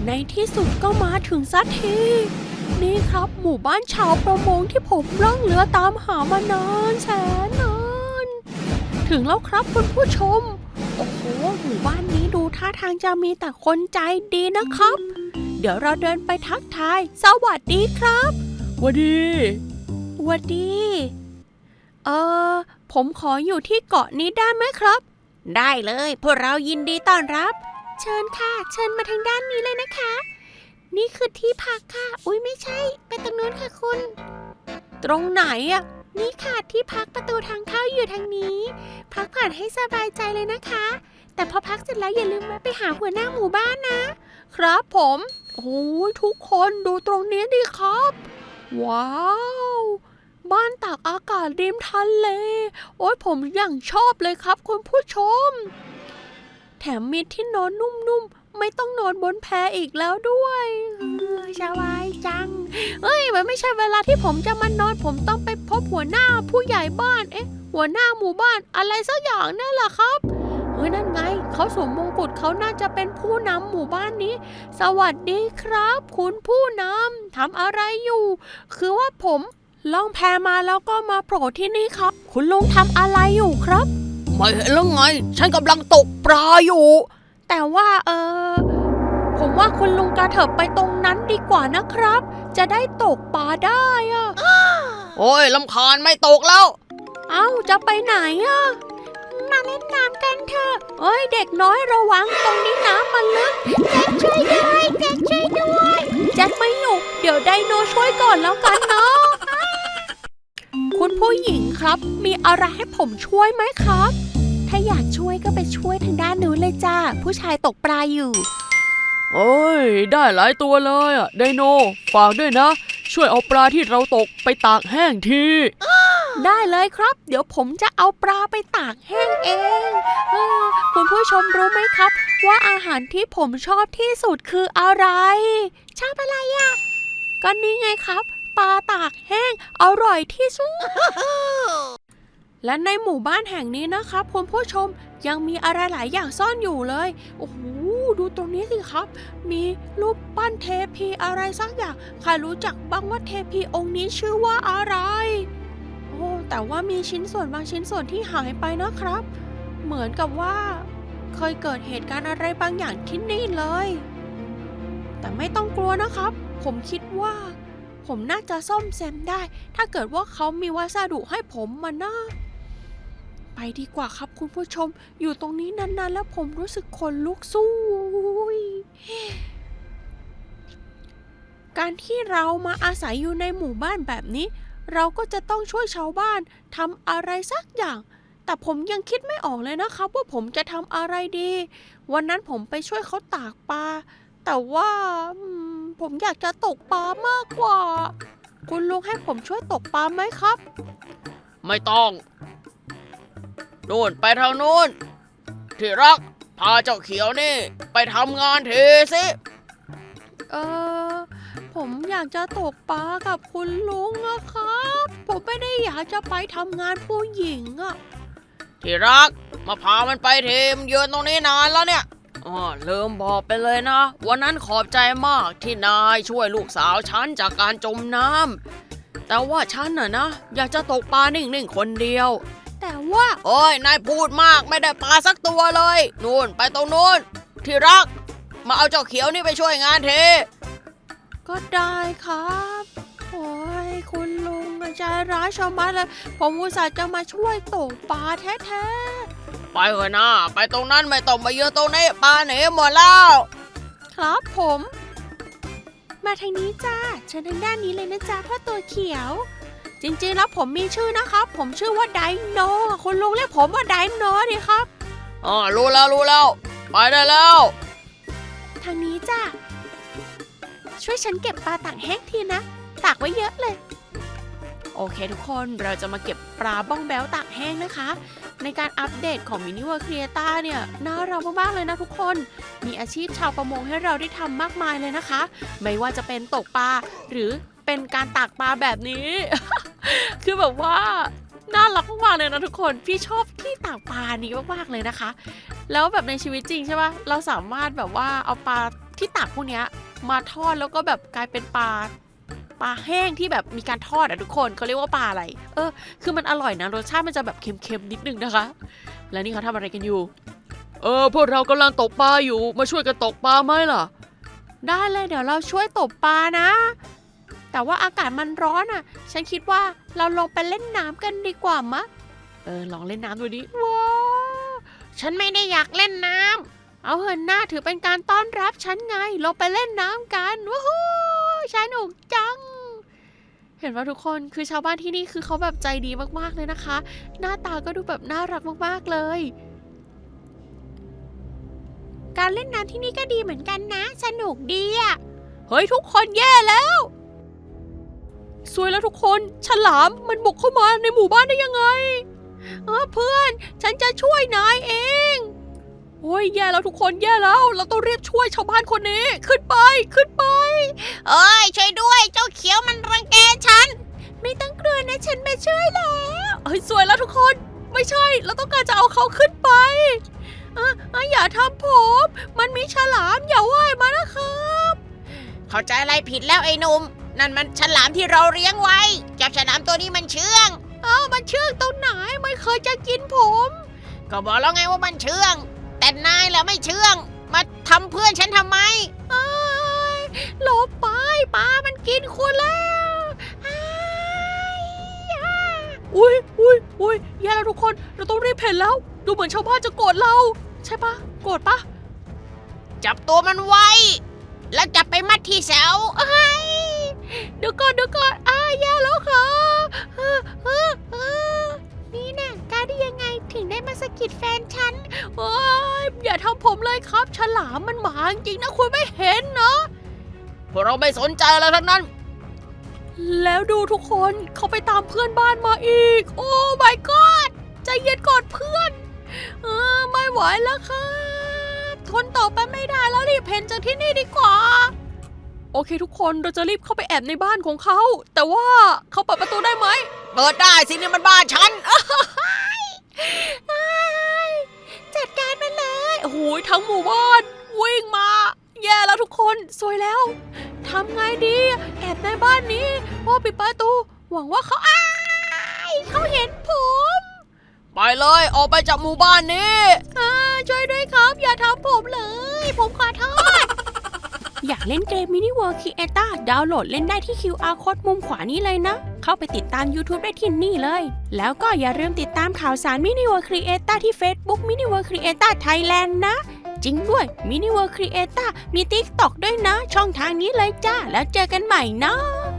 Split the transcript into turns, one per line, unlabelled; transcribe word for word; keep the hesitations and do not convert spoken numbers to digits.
ในที่สุดก็มาถึงสักทีนี่ครับหมู่บ้านชาวประมงที่ผมล่องเรือตามหามานานแสนนานถึงแล้วครับคุณผู้ชมโอ้โหหมู่บ้านนี้ดูท่าทางจะมีแต่คนใจดีนะครับเดี๋ยวเราเดินไปทักทายสวัสดีครับสวัสดีสวัสดีเออผมขออยู่ที่เกาะนี้ได้ไหมครับได้เลยพวกเรายินดีต้อนรับเชิญค่ะเชิญมาทางด้านนี้เลยนะคะนี่คือที่พักค่ะอุ๊ยไม่ใช่ไปตรงนู้นค่ะคุณตรงไหนอะนี่ค่ะที่พักประตูทางเข้าอยู่ทางนี้พักผ่อนให้สบายใจเลยนะคะแต่พอพักเสร็จแล้วอย่าลืมมาไปหาหัวหน้าหมู่บ้านนะครับผมโอ้ยทุกคนดูตรงนี้ดิครับว้าวบ้านตากอากาศริมทะเลโอ้ยผมอย่างชอบเลยครับคุณผู้ชมแถมมีที่นอนนุ่มๆไม่ต้องนอนบนแพอีกแล้วด้วยสบายจังเอ้ยมันไม่ใช่เวลาที่ผมจะมานอนผมต้องไปพบหัวหน้าผู้ใหญ่บ้านเอ๊ะหัวหน้าหมู่บ้านอะไรสักอย่างนั่นแหละครับเฮ้ยนั่นไงเขาสวมมงกุฎเขาน่าจะเป็นผู้นำหมู่บ้านนี้สวัสดีครับคุณผู้นำทำอะไรอยู่คือว่าผมล่องแพมาแล้วก็มาโผล่ที่นี่ครับคุณลุงทำอะไรอยู่ครับไม่เห็นแล้วไงฉันกำลังตกปลาอยู่แต่ว่าเออผมว่าคุณลุงกระเถิบไปตรงนั้นดีกว่านะครับจะได้ตกปลาได้อะโอ้ยรำคาญไม่ตกแล้วเอ้าจะไปไหนอะมาเล่นน้ำกันเถอะเอ้ยเด็กน้อยระวังตรงนี้น้ำมันลึกแจ็คช่วยด้วยแจ็คช่วยด้วยแจ็คไม่อยู่เดี๋ยวไดโนช่วยก่อนแล้วกันเนาะคุณผู้หญิงครับมีอะไรให้ผมช่วยไหมครับถ้าอยากช่วยก็ไปช่วยทางด้านนู้นเลยจ้าผู้ชายตกปลาอยู่
เอ้ยได้หลายตัวเลยอ่ะไดโนฝากด้วยนะช่วยเอาปลาที่เราตกไปตากแห้งที
ได้เลยครับเดี๋ยวผมจะเอาปลาไปตากแห้งเองเออคุณผู้ชมรู้ไหมครับว่าอาหารที่ผมชอบที่สุดคืออะไรชอบอะไรอ่ะก็นี่ไงครับปลาตากแห้งอร่อยที่สุด และในหมู่บ้านแห่งนี้นะครับคุณผู้ชมยังมีอะไรหลายอย่างซ่อนอยู่เลยโอ้โหดูตรงนี้สิครับมีรูปปั้นเทพีอะไรสักอย่างใครรู้จักบ้างว่าเทพีองค์นี้ชื่อว่าอะไรโอ้แต่ว่ามีชิ้นส่วนบางชิ้นส่วนที่หายไปนะครับเหมือนกับว่าเคยเกิดเหตุการณ์อะไรบางอย่างที่นี่เลยแต่ไม่ต้องกลัวนะครับผมคิดว่าผมน่าจะซ่อมแซมได้ถ้าเกิดว่าเขามีวัสดุให้ผมมานะไปดีกว่าครับคุณผู้ชมอยู่ตรงนี้นานๆแล้วผมรู้สึกขนลุกสู้การที่เรามาอาศัยอยู่ในหมู่บ้านแบบนี้เราก็จะต้องช่วยชาวบ้านทำอะไรสักอย่างแต่ผมยังคิดไม่ออกเลยนะครับว่าผมจะทำอะไรดีวันนั้นผมไปช่วยเขาตากปลาแต่ว่าผมอยากจะตกปลามากกว่าคุณลุงให้ผมช่วยตกปลาไหมครับ
ไม่ต้องนู่นไปทางนู้นที่รักพาเจ้าเขียวนี่ไปทำงานทีสิ
เออผมอยากจะตกปลากับคุณลุงอะครับผมไม่ได้อยากจะไปทำงานผู้หญิงอะ
ที่รักมาพามันไปทีมยืนตรงนี้นานแล้วเนี่ยอ๋อลืมบอกไปเลยนะวันนั้นขอบใจมากที่นายช่วยลูกสาวฉันจากการจมน้ำแต่ว่าฉันน่ะนะอยากจะตกปลานิ่งๆคนเดียว
แต่ว่า
โอ้ยนายพูดมากไม่ได้ปลาสักตัวเลยนู่นไปตรงนู้นที่รักมาเอาเจ้าเขียวนี่ไปช่วยงานที
ก็ได้ครับโอ้ยคุณลุงใจร้ายชะมัดเลยผมอุตส่าห์จะมาช่วยตกปลาแท้ๆ
ไปเถอะนะไปตรงนั้นไม่ต้องมาเยอะตรงนี้ปลาหนีหมดแล้ว
ครับผมมาทางนี้จ้าเชิญทางด้านนี้เลยนะจ๊ะพ่อตัวเขียวจริงๆแล้วผมมีชื่อนะครับผมชื่อว่าไดโนคุณลุงเรียกผมว่าไดโนดิครับ
อ๋อรู้แล้วรู้แล้วไปได้แล้ว
ทางนี้จ้าช่วยฉันเก็บปลาตากแห้งทีนะตากไว้เยอะเลยโอเคทุกคนเราจะมาเก็บปลาบ้องแบ้วตากแห้งนะคะในการอัปเดตของ Mini World Creator เนี่ยน่ารักมากๆเลยนะทุกคนมีอาชีพชาวประมงให้เราได้ทำมากมายเลยนะคะไม่ว่าจะเป็นตกปลาหรือเป็นการตากปลาแบบนี้ คือแบบว่าน่ารักมากๆเลยนะทุกคนพี่ชอบที่ตากปลานี้มากๆเลยนะคะแล้วแบบในชีวิตจริงใช่ปะเราสามารถแบบว่าเอาปลาที่ตากพวกเนี้ยมาทอดแล้วก็แบบกลายเป็นปลาปลาแห้งที่แบบมีการทอดอ่ะทุกคนเขาเรียกว่าปลาอะไรเออคือมันอร่อยนะรสชาติมันจะแบบเค็มๆนิดนึงนะคะแล้วนี่เขาทำอะไรกันอยู่เออพวกเรากำลังตกปลาอยู่มาช่วยกันตกปลาไหมล่ะได้เลยเดี๋ยวเราช่วยตกปลานะแต่ว่าอากาศมันร้อนอ่ะฉันคิดว่าเราลงไปเล่นน้ำกันดีกว่ามะเออลองเล่นน้ำดูดิว้าวฉันไม่ได้อยากเล่นน้ำเอาเหินหน้าถือเป็นการต้อนรับฉันไงลงไปเล่นน้ำกันว้าวสนุกจังเห็นว่าทุกคนคือชาวบ้านที่นี่คือเขาแบบใจดีมากๆเลยนะคะหน้าตาก็ดูแบบน่ารักมากๆเลยการเล่นน้ำที่นี่ก็ดีเหมือนกันนะสนุกดีอ่ะเฮ้ยทุกคนแย่แล้วสวยแล้วทุกคนฉลามมันบุกเข้ามาในหมู่บ้านได้ยังไงเออเพื่อนฉันจะช่วยนายเองโอ้ยแย่แล้วทุกคนแย่แล้วเราต้องรีบช่วยชาวบ้านคนนี้ขึ้นไปขึ้นไปเอ้ยช่วยด้วยเจ้าเขียวมันรังแกฉันไม่ต้องกลัวนะฉันมาช่วยแล้วเฮ้ยสวยแล้วทุกคนไม่ใช่เราต้องการจะเอาเขาขึ้นไปอ่ะอ่ะอย่าทำผมมันมีฉลามอย่าว่ายมานะครับเข้าใจอะไรผิดแล้วไอ้หนุ่มนั่นมันฉลามที่เราเลี้ยงไว้จับฉลามตัวนี้มันเชื่องอ้าวมันเชื่องตรงไหนไม่เคยจะกินผมก็บอกแล้วไงว่ามันเชื่องแต่นายแหละไม่เชื่องมาทำเพื่อนฉันทำไมอ้ายหลบไปปลามันกินคุณแล้วอ้ายอุ้ยอุ้ยอุ้ยแย่แล้วทุกคนเราต้องรีบเพ่นแล้วดูเหมือนชาวบ้านจะโกรธเราใช่ปะโกรธปะจับตัวมันไว้แล้วจับไปมัดที่เสาเอ้ยเดี๋ยวก่อนเดี๋ยวก่อนอ้ายแย่แล้วค่ะเออเออเออนี่น่ะกล้าได้ยังไงถึงได้มาสะกิดแฟนฉันโอ้ยอย่าทำผมเลยครับฉลามมันหมาจริงนะคุณไม่เห็นเนาะพวกเราไม่สนใจอะไรทั้งนั้นแล้วดูทุกคนเขาไปตามเพื่อนบ้านมาอีกโอ้ my god ใจเย็นก่อนเพื่อนเออไม่ไหวแล้วค่ะทนต่อไปไม่ได้แล้วรีบเพ่นจากที่นี่ดีกว่าโอเคทุกคนเราจะรีบเข้าไปแอบในบ้านของเขาแต่ว่าเขาเปิดประตูได้ไหมเปิดได้สินี่มันบ้านฉันจัดการมันเลยโอ้โหทั้งหมู่บ้านวิ่งมาแย่แล้วทุกคนสวยแล้วทำไงดีแอบในบ้านนี้โอ้ปิดประตูหวังว่าเขาอ้ายเขาเห็นผมไปเลยออกไปจากหมู่บ้านนี้ช่วยด้วยครับอย่าทำผมเลยผมขอโทษ อยากเล่นเกม Mini World Creator ดาวน์โหลดเล่นได้ที่ คิว อาร์ Code มุมขวานี้เลยนะ เข้าไปติดตาม YouTube ได้ที่นี่เลย แล้วก็อย่าลืมติดตามข่าวสาร Mini World Creator ที่ Facebook Mini World Creator Thailand นะ จริงด้วย Mini World Creator มี TikTok ด้วยนะ ช่องทางนี้เลยจ้าแล้วเจอกันใหม่นะ